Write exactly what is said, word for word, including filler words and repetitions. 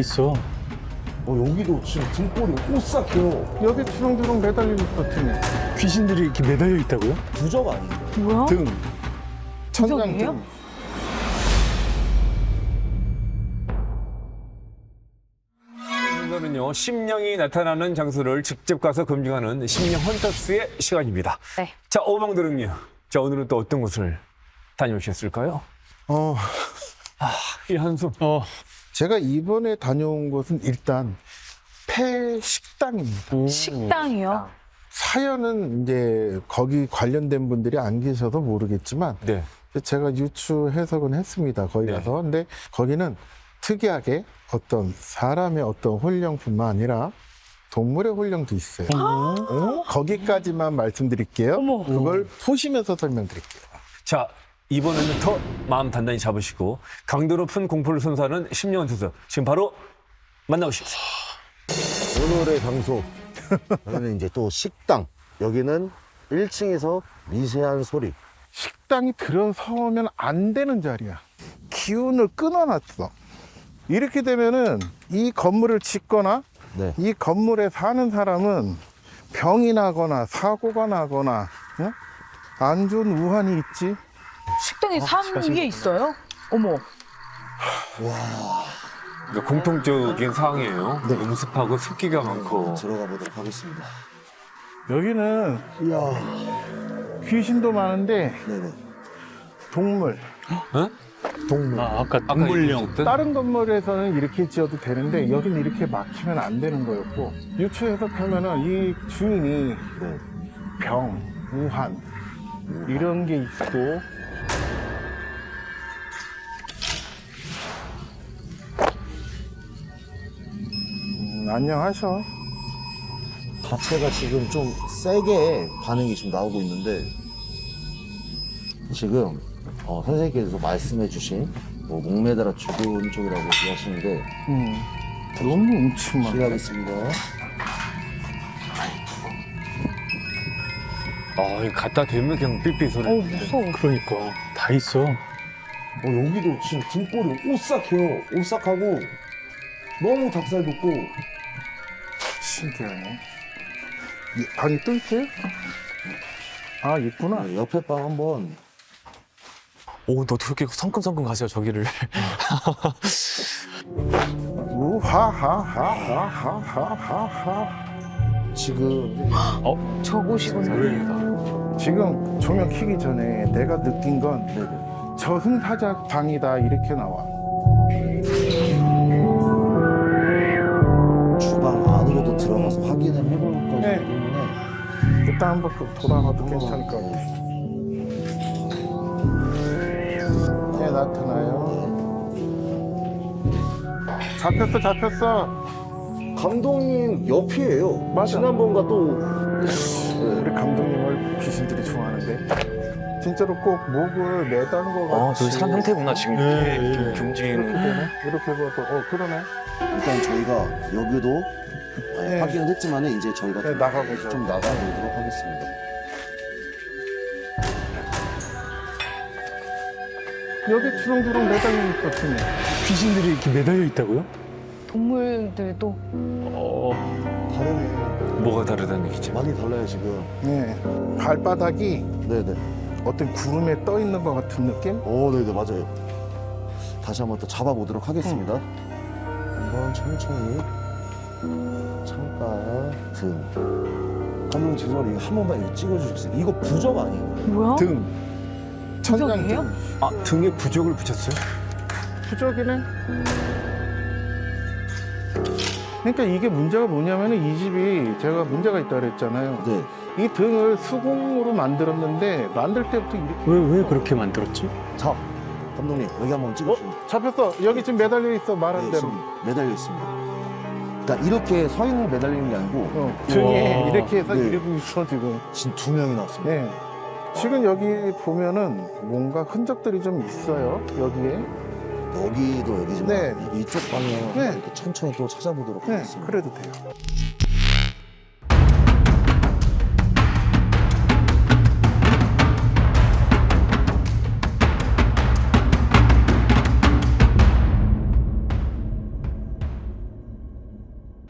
있어. 어, 여기도 지금 등골이 오싹해요. 여기 주렁주렁 매달려 있어 등에. 귀신들이 이렇게 매달려 있다고요? 부적 아니에요? 뭐야? 등. 천장 부적이에요? 등. 오늘은요, 심령이 나타나는 장소를 직접 가서 검증하는 심령 헌터스의 시간입니다. 네. 자, 오방들은요. 자, 오늘은 또 어떤 곳을 다녀오셨을까요? 어, 이 한숨. 어. 제가 이번에 다녀온 곳은 일단 폐식당입니다. 식당이요? 사연은 이제 거기 관련된 분들이 안 계셔서 모르겠지만 네. 제가 유추 해석은 했습니다. 거기 네. 가서. 근데 거기는 특이하게 어떤 사람의 어떤 혼령뿐만 아니라 동물의 혼령도 있어요. 어? 거기까지만 말씀드릴게요. 어머. 그걸 보시면서 설명드릴게요. 자, 이번에는 더 마음 단단히 잡으시고 강도 높은 공포를 선사하는 심령 헌터스 지금 바로 만나보시죠. 오늘의 장소. 여기는 이제 또 식당. 여기는 일 층에서 미세한 소리. 식당이 들어서면 안 되는 자리야. 기운을 끊어놨어. 이렇게 되면은 이 건물을 짓거나 네. 이 건물에 사는 사람은 병이 나거나 사고가 나거나 응? 안 좋은 우환이 있지. 식당에 산 게 있어요? 어머. 그러니까 공통적인 상황이에요. 네. 음습하고 습기가 많고. 들어가 보도록 하겠습니다. 여기는 이야. 귀신도 많은데 네네. 동물. 어? 동물. 아, 아까 아까 동물령. 얘기하셨던? 다른 건물에서는 이렇게 지어도 되는데 여기는 이렇게 막히면 안 되는 거였고 유추 해석하면은 이 주인이 네. 병, 우환 이런 게 있고 음, 안녕하셔. 자체가 지금 좀 세게 반응이 지금 나오고 있는데 지금 어, 선생님께서 말씀해 주신 뭐 목매달아 죽은 쪽이라고 얘기하시는데 음, 너무 음침하다. 실례하겠습니다. 아, 이거 갖다 대면 그냥 삐삐 소리. 어 무서워. 그러니까 다 있어. 어, 여기도 지금 등골이 오싹해요. 오싹하고 너무 닭살 돋고 신기하네. 이 방이 또 있어요? 아, 있구나. 네, 옆에 방 한번 오, 너 그렇게 성큼성큼 가세요, 저기를. 우하하하하하하하. 지금 저곳이군요. 지금 조명 켜기 전에 내가 느낀 건 네네. 저승사자 방이다 이렇게 나와. 주방 안으로도 들어가서 확인을 해볼 거기 네. 때문에 일단 한번 돌아가도 괜찮을 것 같아. 네, 나타나요. 잡혔어, 잡혔어. 감독님 옆이에요. 맞아. 지난번과 또 우리 감독님을 귀신들이 좋아하는데. 진짜로 꼭 목을 매다는 것 같이. 어, 저기 사람 형태구나, 지금. 네, 이렇게 네. 좀 이렇게 움직이는. 되네? 이렇게 봐도, 어, 그러네. 일단 저희가 여기도 아, 네. 확인을 했지만 이제 저희가 네, 좀, 나가보죠. 좀 나가보도록 하겠습니다. 여기 주렁주렁 매달려 있었더니. 귀신들이 이렇게 매달려 있다고요? 동물들도 어. 다르네. 뭐가 다르다는 얘기죠? 많이 달라요 지금. 네. 발바닥이 네네. 어떤 구름에 떠 있는 것 같은 느낌? 오 네네 맞아요. 다시 한번 또 잡아보도록 하겠습니다. 한번 천천히 창가 등. 감독님 죄송한데 이거 한 번만 이거 찍어주시겠어요? 이거 부적 아니에요? 뭐야? 등. 천장 부적이에요? 등. 아, 등에 부적을 붙였어요? 부적이네. 그러니까 이게 문제가 뭐냐면은 이 집이 제가 문제가 있다 그랬잖아요. 네. 이 등을 수공으로 만들었는데 만들 때부터 이렇게 왜, 왜 그렇게 만들었지? 자 감독님 여기 한번 찍어주세요. 잡혔어. 여기 지금 매달려 있어. 말한 네, 대로. 지금 매달려 있습니다. 그러니까 이렇게 서 있는 매달리는 게 아니고 어, 등에 우와. 이렇게 해서 네. 이러고 있어 지금. 지금 두 명이 나왔습니다. 네. 지금 여기 보면은 뭔가 흔적들이 좀 있어요. 여기에. 여기도 여기지만 네. 이쪽 방향 네. 이렇게 천천히 또 찾아보도록 네. 하겠습니다. 그래도 돼요.